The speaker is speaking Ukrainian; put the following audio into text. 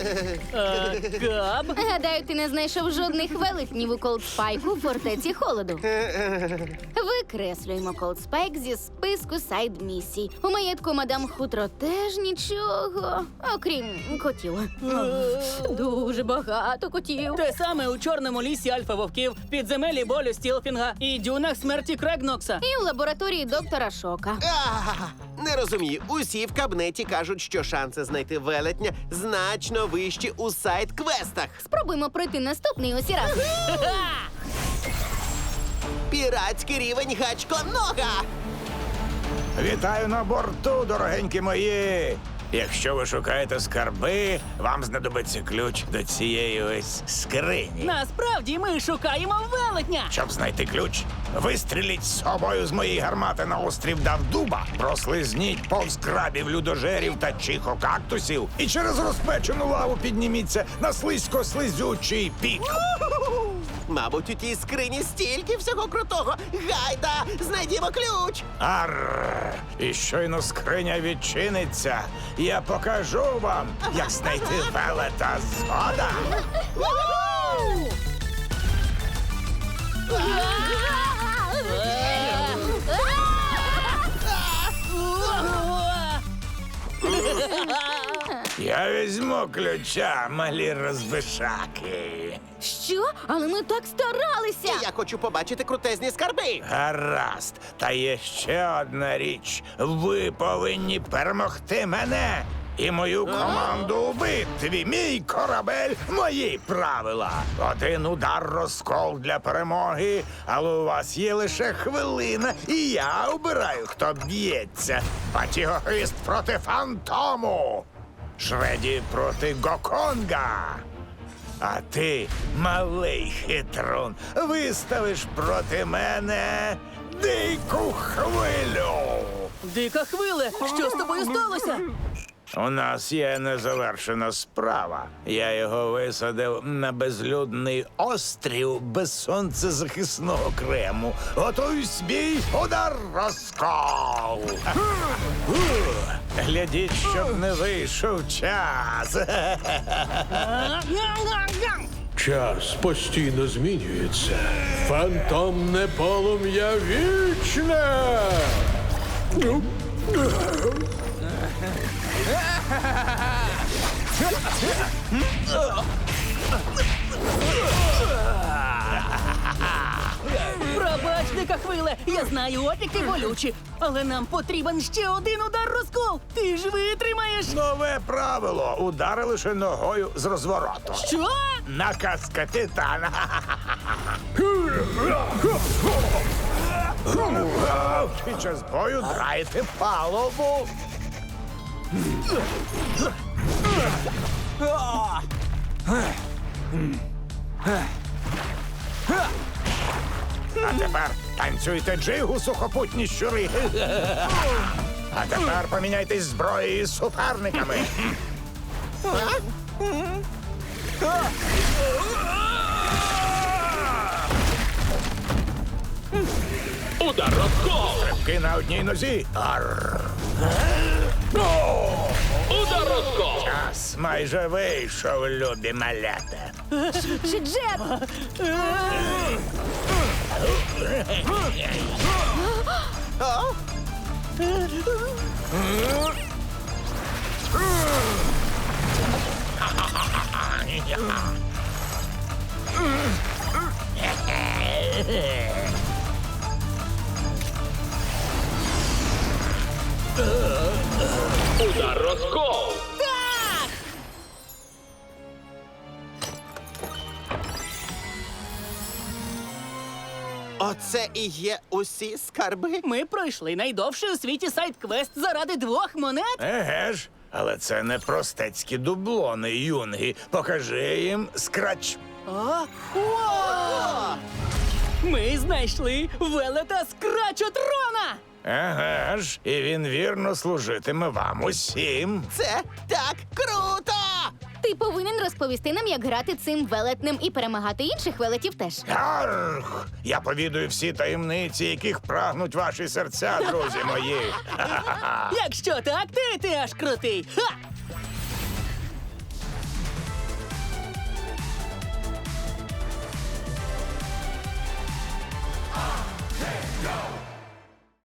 Габ? Гадаю, ти не знайшов жодних велетнів у Колдспайку в фортеці холоду. Викреслюємо Колдспайк зі списку сайд-місій. У маєтку мадам Хутро теж нічого, окрім котів. Дуже багато котів. Те саме у Чорному лісі Альфа-Вовків, підземелі болю Стілфінга і дюнах смерті Крегнокса. І в лабораторії доктора Шока. Не розумію. Усі в кабнеті кажуть, що шанси знайти велетня значно вищі у сайт-квестах. Спробуємо пройти наступний усі разом. Піратський рівень гачконога! Вітаю на борту, дорогенькі мої! Якщо ви шукаєте скарби, вам знадобиться ключ до цієї ось скрині. Насправді ми шукаємо велетня. Щоб знайти ключ, вистріліть з собою з моєї гармати на острів Давдуба, прослизніть повз крабів, людожерів та чихокактусів і через розпечену лаву підніміться на слизько-слизючий пік. Мабуть, у тій скрині стільки всього крутого. Гайда, знайдімо ключ! Арр! І щойно скриня відчиниться, я покажу вам, як знайти велета згода. Я візьму ключа, малі розбишаки. Що? Але ми так старалися! Я хочу побачити крутезні скарби. Гаразд, та є ще одна річ. Ви повинні перемогти мене і мою команду у битві. Мій корабель, мої правила. Один удар розкол для перемоги, але у вас є лише хвилина, і я обираю, хто б'ється. Батігоїст проти фантому. Шреді проти Гоконга. А ти, малий хитрун, виставиш проти мене дику хвилю. Дика хвиле, що з тобою сталося? У нас є незавершена справа. Я його висадив на безлюдний острів без сонцезахисного крему. Готуйсь, бій, удар, розкол! Глядіть, щоб не вийшов час. Час постійно змінюється. Фантомне полум'я вічне. Пробач, дика хвиле, я знаю, опіки болючі, але нам потрібен ще один удар розкол. Ти ж витримаєш. Нове правило. Удари лише ногою з розвороту. Що? Наказ капітана. Під час бою драйте палубу. А тепер танцюйте джигу, сухопутні щури. А тепер поміняйтесь зброєю з суперниками. Удар розкол! Стрибки на одній нозі. Арр. Удар розкол! Час майже вийшов, любі малята. Чи Джет? Удар розкол! Оце і є усі скарби? Ми пройшли найдовший у світі сайт-квест заради 2 монет. Еге ж, але це не простецькі дублони, юнги. Покажи їм скрач. Ми знайшли велета Скрачотрона! Еге ж, і він вірно служитиме вам усім. Це так круто! Ти повинен розповісти нам, як грати цим велетнем і перемагати інших велетів теж. Гарх! Я повідую всі таємниці, яких прагнуть ваші серця, друзі мої. Якщо так, ти аж крутий. Ха!